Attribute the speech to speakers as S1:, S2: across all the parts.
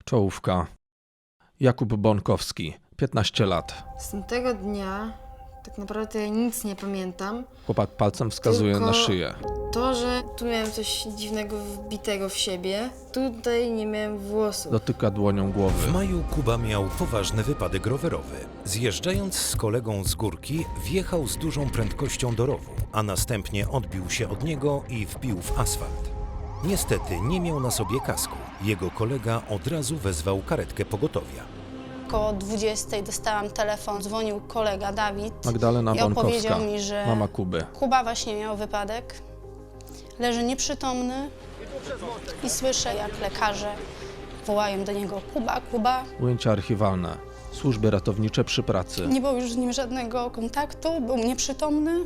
S1: Czołówka. Jakub Bonkowski, 15 lat.
S2: Z tamtego dnia tak naprawdę ja nic nie pamiętam.
S1: Chłopak palcem wskazuje
S2: Tylko
S1: na szyję.
S2: To, że tu miałem coś dziwnego wbitego w siebie, tutaj nie miałem włosów.
S1: Dotyka dłonią głowy.
S3: W maju Kuba miał poważny wypadek rowerowy. Zjeżdżając z kolegą z górki, wjechał z dużą prędkością do rowu, a następnie odbił się od niego i wbił w asfalt. Niestety nie miał na sobie kasku. Jego kolega od razu wezwał karetkę pogotowia.
S4: Około 20 dostałam telefon, dzwonił kolega Dawid
S1: Magdalena
S4: i
S1: Bonkowska,
S4: opowiedział mi, że
S1: mama Kuby.
S4: Kuba właśnie miał wypadek, leży nieprzytomny i słyszę, jak lekarze wołają do niego: Kuba, Kuba.
S1: Ujęcia archiwalne. Służby ratownicze przy pracy.
S4: Nie było już z nim żadnego kontaktu, był nieprzytomny.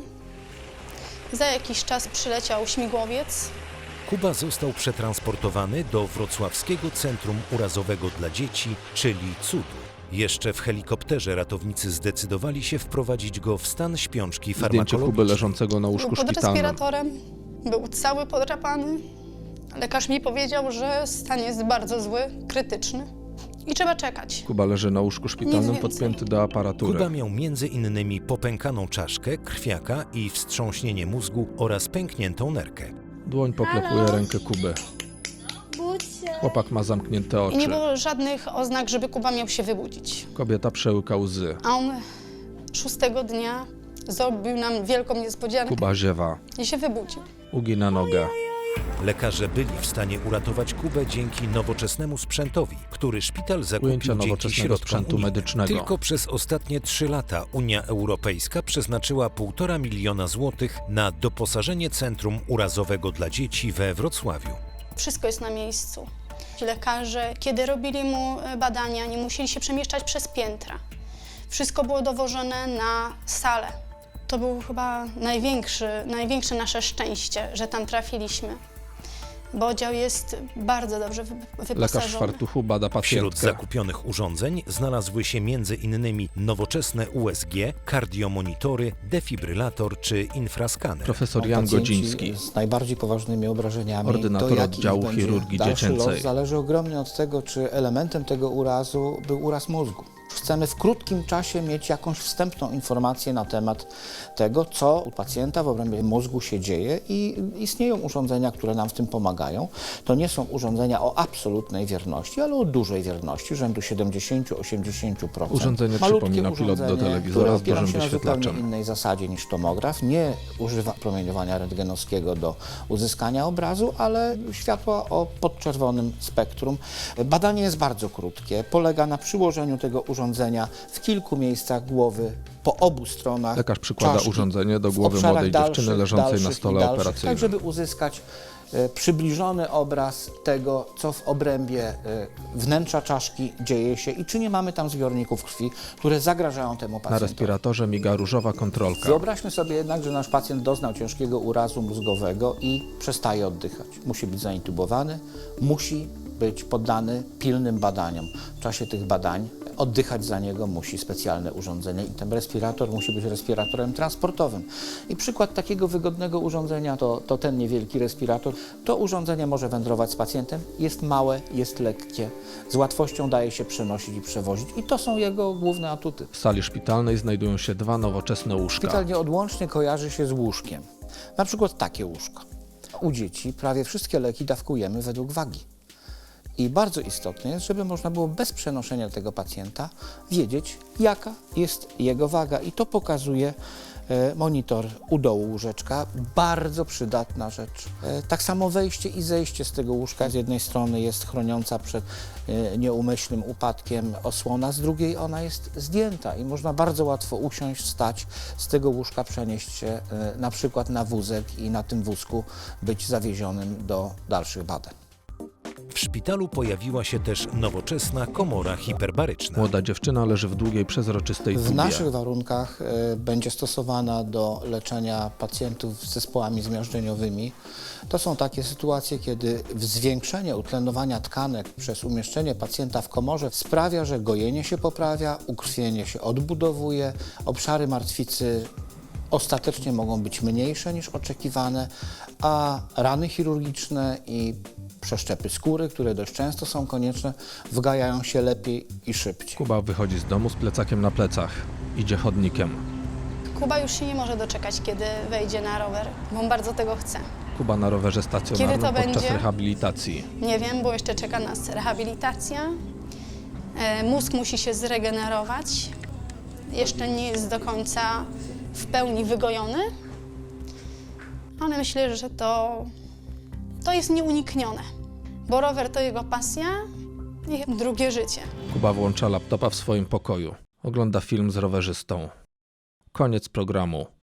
S4: Za jakiś czas przyleciał śmigłowiec.
S3: Kuba został przetransportowany do Wrocławskiego Centrum Urazowego dla Dzieci, czyli CUDU. Jeszcze w helikopterze ratownicy zdecydowali się wprowadzić go w stan śpiączki
S1: Zdjęcie Kuby
S3: farmakologicznej.
S1: leżącego na
S4: Był
S1: łóżku
S4: pod
S1: szpitalnym.
S4: respiratorem, był cały podrapany. Lekarz mi powiedział, że stan jest bardzo zły, krytyczny i trzeba czekać.
S1: Kuba leży na łóżku szpitalnym
S4: Nic więcej.
S1: podpięty do aparatury.
S3: Kuba miał m.in. popękaną czaszkę, krwiaka i wstrząśnienie mózgu oraz pękniętą nerkę.
S1: Dłoń poklepuje rękę Kuby. Chłopak ma zamknięte
S4: I nie
S1: oczy.
S4: było żadnych oznak, żeby Kuba miał się wybudzić.
S1: Kobieta przełyka łzy.
S4: A on 6 dnia zrobił nam wielką niespodziankę
S1: Kuba ziewa.
S4: i się wybudził.
S1: Ugina nogę.
S3: Lekarze byli w stanie uratować Kubę dzięki nowoczesnemu sprzętowi, który szpital zakupił
S1: Ujęcia
S3: dzięki
S1: nowoczesnego
S3: środkom
S1: sprzętu
S3: unijnym.
S1: medycznego.
S3: Tylko przez ostatnie 3 lata Unia Europejska przeznaczyła 1,5 miliona złotych na doposażenie Centrum Urazowego dla Dzieci we Wrocławiu.
S4: Wszystko jest na miejscu. Ci lekarze, kiedy robili mu badania, nie musieli się przemieszczać przez piętra. Wszystko było dowożone na salę. To było chyba największe nasze szczęście, że tam trafiliśmy, bo oddział jest bardzo dobrze wyposażony.
S1: Lekarz w fartuchu bada
S3: Wśród
S1: pacjentkę.
S3: zakupionych urządzeń znalazły się m.in. nowoczesne USG, kardiomonitory, defibrylator czy infraskaner.
S1: Profesor Jan
S5: Pacjenci
S1: Godziński.
S5: z najbardziej poważnymi obrażeniami.
S1: Ordynator
S5: to, jaki
S1: oddziału
S5: ich będzie
S1: chirurgii
S5: dalszy
S1: dziecięcej.
S5: los, zależy ogromnie od tego, czy elementem tego urazu był uraz mózgu. Chcemy w krótkim czasie mieć jakąś wstępną informację na temat tego, co u pacjenta w obrębie mózgu się dzieje, i istnieją urządzenia, które nam w tym pomagają. To nie są urządzenia o absolutnej wierności, ale o dużej wierności, rzędu 70-80%.
S1: Urządzenie
S5: Malutkie
S1: przypomina pilot do
S5: urządzenie,
S1: telewizora
S5: które
S1: z
S5: opiera
S1: dużym
S5: się na zupełnie
S1: wyświetlaczem.
S5: innej zasadzie niż tomograf. Nie używa promieniowania rentgenowskiego do uzyskania obrazu, ale światła o podczerwonym spektrum. Badanie jest bardzo krótkie. Polega na przyłożeniu tego urządzenia w kilku miejscach głowy, po obu stronach
S1: Lekarz przykłada
S5: czaszki,
S1: urządzenie do
S5: w
S1: głowy
S5: obszarach
S1: młodej dziewczyny leżącej na
S5: dalszych
S1: stole
S5: i dalszych,
S1: operacyjnym.
S5: tak żeby uzyskać przybliżony obraz tego, co w obrębie wnętrza czaszki dzieje się i czy nie mamy tam zbiorników krwi, które zagrażają temu
S1: Na
S5: pacjentowi.
S1: respiratorze miga różowa kontrolka.
S5: Wyobraźmy sobie jednak, że nasz pacjent doznał ciężkiego urazu mózgowego i przestaje oddychać. Musi być zaintubowany, musi być poddany pilnym badaniom. W czasie tych badań oddychać za niego musi specjalne urządzenie i ten respirator musi być respiratorem transportowym. I przykład takiego wygodnego urządzenia to ten niewielki respirator. To urządzenie może wędrować z pacjentem, jest małe, jest lekkie, z łatwością daje się przenosić i przewozić i to są jego główne atuty.
S1: W sali szpitalnej znajdują się 2 nowoczesne łóżka.
S5: Szpital nieodłącznie kojarzy się z łóżkiem. Na przykład takie łóżko. U dzieci prawie wszystkie leki dawkujemy według wagi. I bardzo istotne jest, żeby można było bez przenoszenia tego pacjenta wiedzieć, jaka jest jego waga. I to pokazuje monitor u dołu łóżeczka. Bardzo przydatna rzecz. Tak samo wejście i zejście z tego łóżka. Z jednej strony jest chroniąca przed nieumyślnym upadkiem osłona, z drugiej ona jest zdjęta i można bardzo łatwo usiąść, wstać z tego łóżka, przenieść się na przykład na wózek i na tym wózku być zawiezionym do dalszych badań.
S3: W szpitalu pojawiła się też nowoczesna komora hiperbaryczna.
S1: Młoda dziewczyna leży w długiej, przezroczystej
S5: W
S1: tubie.
S5: naszych warunkach będzie stosowana do leczenia pacjentów z zespołami zmiażdżeniowymi. To są takie sytuacje, kiedy zwiększenie utlenowania tkanek przez umieszczenie pacjenta w komorze sprawia, że gojenie się poprawia, ukrwienie się odbudowuje, obszary martwicy ostatecznie mogą być mniejsze niż oczekiwane, a rany chirurgiczne i Przeszczepy skóry, które dość często są konieczne, wgajają się lepiej i szybciej.
S1: Kuba wychodzi z domu z plecakiem na plecach. Idzie chodnikiem.
S4: Kuba już się nie może doczekać, kiedy wejdzie na rower, bo on bardzo tego chce.
S1: Kuba na rowerze
S4: Kiedy
S1: stacjonarnym
S4: to
S1: podczas
S4: będzie?
S1: rehabilitacji.
S4: Nie wiem, bo jeszcze czeka nas rehabilitacja. Mózg musi się zregenerować. Jeszcze nie jest do końca w pełni wygojony, ale myślę, że to jest nieuniknione, bo rower to jego pasja i drugie życie.
S1: Kuba włącza laptopa w swoim pokoju. Ogląda film z rowerzystą. Koniec programu.